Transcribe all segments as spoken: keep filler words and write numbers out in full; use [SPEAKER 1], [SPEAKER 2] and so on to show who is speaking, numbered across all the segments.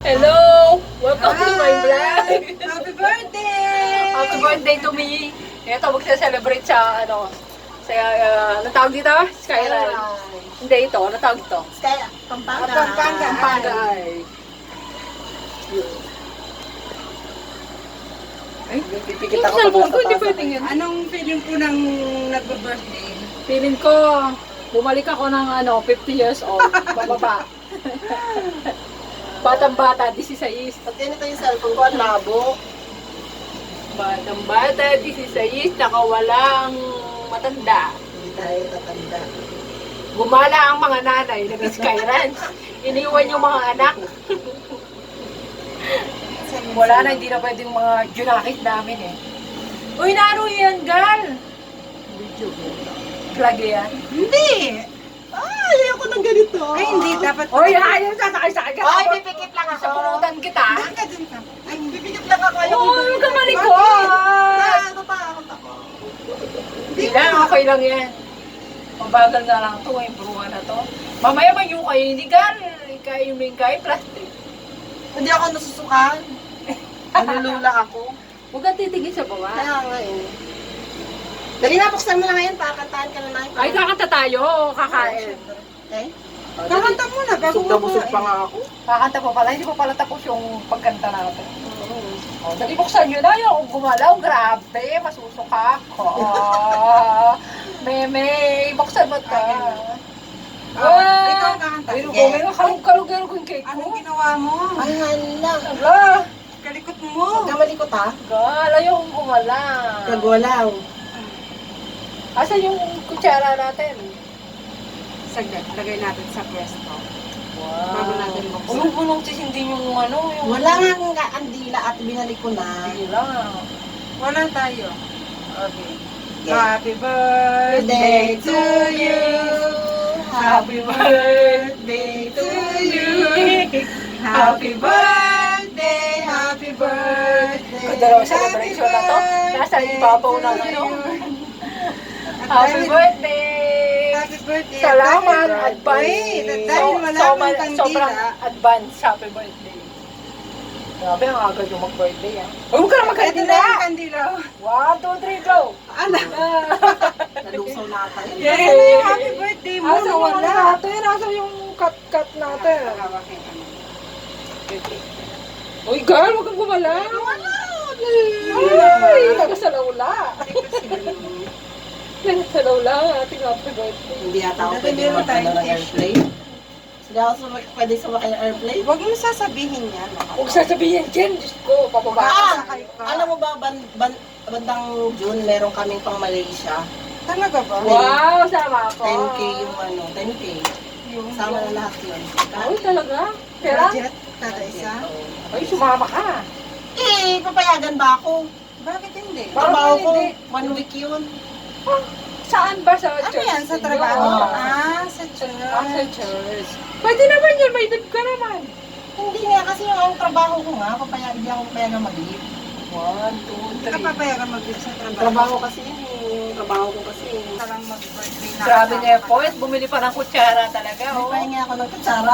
[SPEAKER 1] Hello! Welcome to my vlog!
[SPEAKER 2] Happy birthday!
[SPEAKER 1] Happy birthday to me! Ito, magsa-celebrate sa, ano, sa, uh, ano tawag dito? Skyline. Hindi, ito. Ano tawag ito?
[SPEAKER 2] Sky, Pampanga.
[SPEAKER 1] Pampanga. Pampanga. Ay,
[SPEAKER 2] Ay,
[SPEAKER 1] pipikit ako pag ko, hindi pwedeng yun.
[SPEAKER 2] anong feeling po ng nagbe-birthday?
[SPEAKER 1] Feeling ko, bumalik ako ng, ano, fifty years old. Bababa. Batang-bata, sixteen.
[SPEAKER 2] Pag ganito yung cellphone ko, ang labo.
[SPEAKER 1] Batang-bata, sixteen, nakawalang matanda.
[SPEAKER 2] Hindi tayo tatanda.
[SPEAKER 1] Gumala ang mga nanay, nag-sky ranch. Iniwan yung mga anak. Wala na, hindi na pwedeng mga junakit namin eh. Uy, naano yan, gal? Video. Plug yan.
[SPEAKER 2] Hindi! Ah, ayoko ng ganito. Ay, hindi. Dapat...
[SPEAKER 1] Uy, ayaw sasakay-sakay ka.
[SPEAKER 2] Ay, pipikit lang ako.
[SPEAKER 1] Sa punutan kita.
[SPEAKER 2] Ka dun ka. Ay, pipikit lang ako. Ayoko
[SPEAKER 1] Oo, huwag ka malikot.
[SPEAKER 2] Ah, natakot ako.
[SPEAKER 1] Hindi lang, okay lang yan. Mabagal nga lang ito, eh, bruha na to. Mamaya man yung kayo, hindi gal. Ikaw yung main kayo, plastic.
[SPEAKER 2] Hindi ako nasusukan. Nalulula ako.
[SPEAKER 1] Huwag kang titigil sa baba.
[SPEAKER 2] Kaya nga eh. Dali na, buksan mo na ngayon. Pakantahan ka na na.
[SPEAKER 1] Ay, kakanta tayo, kakain.
[SPEAKER 2] Okay? Kakanta muna bago mo busog pa nga ako.
[SPEAKER 1] Kakanta pa pala, hindi pa pala tapos yung pagkanta natin. O, dali buksan nyo na yung gumalaw, grabe, masusuka ako. Meme, buksan mo ito.
[SPEAKER 2] Ah, ikaw ang kakanta.
[SPEAKER 1] Pero kung may kalug-kalug yung cake ko.
[SPEAKER 2] Anong ginawa mo? Ay, hala.
[SPEAKER 1] Ala,
[SPEAKER 2] Kalikot mo. Huwag ka malikot ha.
[SPEAKER 1] gal, ayaw kong gumalaw.
[SPEAKER 2] Kagwalaw.
[SPEAKER 1] Asan yung kutsara natin?
[SPEAKER 2] Saglit, lagay natin sa pwesto.
[SPEAKER 1] Wow.
[SPEAKER 2] Bago natin buksan.
[SPEAKER 1] Ulong-ulong tis hindi yung ano, yung...
[SPEAKER 2] Wala nga nga andila at binalik ko na.
[SPEAKER 1] Hindi lang.
[SPEAKER 2] Wala tayo.
[SPEAKER 1] Okay.
[SPEAKER 2] Happy birthday to you. Happy birthday to you. Happy birthday, happy birthday.
[SPEAKER 1] Kung dalawang celebration na to, nasa ibabaw ng ano. Happy birthday!
[SPEAKER 2] Happy birthday.
[SPEAKER 1] Salamat,
[SPEAKER 2] Happy
[SPEAKER 1] advance.
[SPEAKER 2] birthday. Dahil wala
[SPEAKER 1] so,
[SPEAKER 2] kang kandila.
[SPEAKER 1] sobrang advance, happy birthday. Grabe, ang agad yung mag-birthday ah. Huwag mo ka na
[SPEAKER 2] Ito
[SPEAKER 1] magkandila!
[SPEAKER 2] na yung kandila.
[SPEAKER 1] One, two, three, go!
[SPEAKER 2] Ano?
[SPEAKER 1] Ah.
[SPEAKER 2] Nalusaw na tayo.
[SPEAKER 1] Yay!
[SPEAKER 2] Ito na yung happy birthday mo.
[SPEAKER 1] Asan yung ano
[SPEAKER 2] Nawala.
[SPEAKER 1] natin? Asan yung cut-cut natin? Uy, girl, huwag kang gumala!
[SPEAKER 2] Wala.
[SPEAKER 1] Ay, nagasalawla! Nagasalawla ang ating happy birthday.
[SPEAKER 2] Hindi yata ako pwede magkano ng airplane. Hindi ako sumak- pwede sumakay ng airplane. Huwag mo sasabihin yan.
[SPEAKER 1] Huwag sasabihin dyan, Diyos ko, pababa.
[SPEAKER 2] Ah! Alam mo ba, ban, ban, bandang June, meron kaming pang Malaysia. Talaga ba?
[SPEAKER 1] Wow, sama ako.
[SPEAKER 2] ten K yung ano, ten K. Sama na lahat yun.
[SPEAKER 1] Ay, talaga? Pera?
[SPEAKER 2] Budget, kada isa?
[SPEAKER 1] Ay, sumama ka.
[SPEAKER 2] Eh, papayagan ba ako? Bakit hindi?
[SPEAKER 1] Bakit
[SPEAKER 2] Trabaho ko,
[SPEAKER 1] hindi?
[SPEAKER 2] one week yun.
[SPEAKER 1] Ah, saan ba sa
[SPEAKER 2] Ano
[SPEAKER 1] church?
[SPEAKER 2] yan, sa trabaho?
[SPEAKER 1] Oo.
[SPEAKER 2] Ah, sa church.
[SPEAKER 1] Ah, sa church. Pwede naman yun, may dib ka naman.
[SPEAKER 2] Hindi nga, kasi yung ang trabaho ko nga, papayagan, hindi ako papayagan mag-leave.
[SPEAKER 1] One, two,
[SPEAKER 2] Hindi ka
[SPEAKER 1] three.
[SPEAKER 2] papayagan mag-leave sa trabaho. Trabaho kasi yun, yung trabaho ko kasi. Parang mag-birthday na.
[SPEAKER 1] Grabe na effort, bumili pa ng kutsara talaga.
[SPEAKER 2] May
[SPEAKER 1] Oh.
[SPEAKER 2] pahinga ako ng kutsara.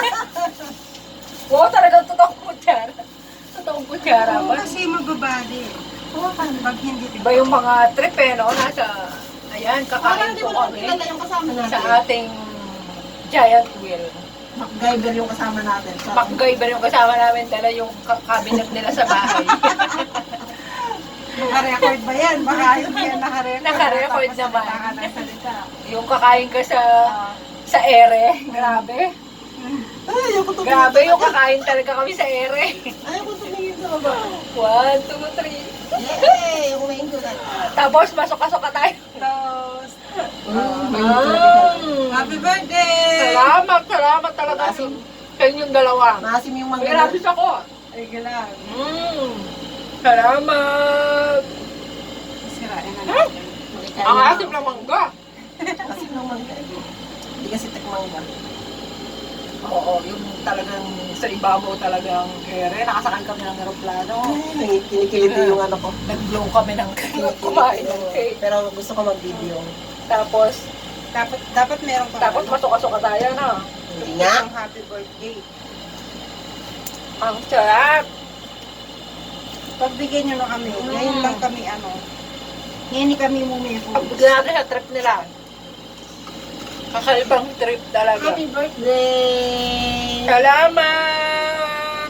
[SPEAKER 1] Wow, talagang totoong kutsara. Totoong kutsara
[SPEAKER 2] Oo,
[SPEAKER 1] ba?
[SPEAKER 2] kasi magbabali. Oo, pag hindi.
[SPEAKER 1] Iba yung mga trip eh, no? Nasa, ayan,
[SPEAKER 2] Parang
[SPEAKER 1] kakain
[SPEAKER 2] hindi
[SPEAKER 1] po
[SPEAKER 2] mo naman
[SPEAKER 1] kami
[SPEAKER 2] kilala yung kasama natin.
[SPEAKER 1] sa ating giant wheel.
[SPEAKER 2] MacGyver yung kasama natin. Sa
[SPEAKER 1] MacGyver yung kasama namin, dala yung ka- cabinet nila sa bahay.
[SPEAKER 2] Naka-record ba yan? Baka hindi yan naka-record.
[SPEAKER 1] Naka-record
[SPEAKER 2] Tapos
[SPEAKER 1] naman.
[SPEAKER 2] salita ka ng salita.
[SPEAKER 1] Yung kakain ka sa sa ere, grabe.
[SPEAKER 2] Ay, ayoko tumingin.
[SPEAKER 1] Grabe yung kakain talaga kami sa ere.
[SPEAKER 2] Ayoko tumingin sa baba.
[SPEAKER 1] One, two, three.
[SPEAKER 2] Yay! Umain ko na.
[SPEAKER 1] Tapos, masok-asok ka tayo.
[SPEAKER 2] Toast.
[SPEAKER 1] Ah,
[SPEAKER 2] Happy birthday!
[SPEAKER 1] salamat, salamat talaga sa sa inyong dalawa.
[SPEAKER 2] Maasim yung
[SPEAKER 1] May
[SPEAKER 2] mga
[SPEAKER 1] rapis ako.
[SPEAKER 2] Ay, galang.
[SPEAKER 1] Mm, salamat.
[SPEAKER 2] Sirain na
[SPEAKER 1] Hmm?
[SPEAKER 2] natin.
[SPEAKER 1] Ang asim ng mangga.
[SPEAKER 2] Asim ng mangga. Hindi kasi tikmangga.
[SPEAKER 1] Oo, yung talagang sa ibabaw talagang ere. Nakasakay kami ng aeroplano.
[SPEAKER 2] Ay, kinikiliti yung ano ko.
[SPEAKER 1] Nag-blow kami ng cake. Kumain ng cake.
[SPEAKER 2] Pero gusto ko mag-video.
[SPEAKER 1] Tapos,
[SPEAKER 2] Dapat dapat meron pa.
[SPEAKER 1] tapos masok-asok ka tayo, no?
[SPEAKER 2] Hindi nga.
[SPEAKER 3] Happy birthday.
[SPEAKER 1] Ang sarap.
[SPEAKER 3] Pagbigyan nyo na kami. Ngayon lang kami ano. Ngayon ni kami mumeko.
[SPEAKER 1] Pagbuti natin sa trip nila. Kakaibang trip talaga.
[SPEAKER 2] Happy birthday!
[SPEAKER 1] Salamat!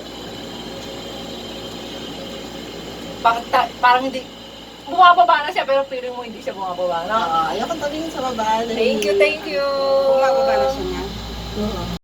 [SPEAKER 1] Bakit ta- parang hindi, bumababa na siya pero feeling mo hindi siya bumababa na.
[SPEAKER 2] Oo, ayoko tumingin sa baba.
[SPEAKER 1] Thank you, thank you!
[SPEAKER 3] Bumababa na siya niya.
[SPEAKER 2] Oo.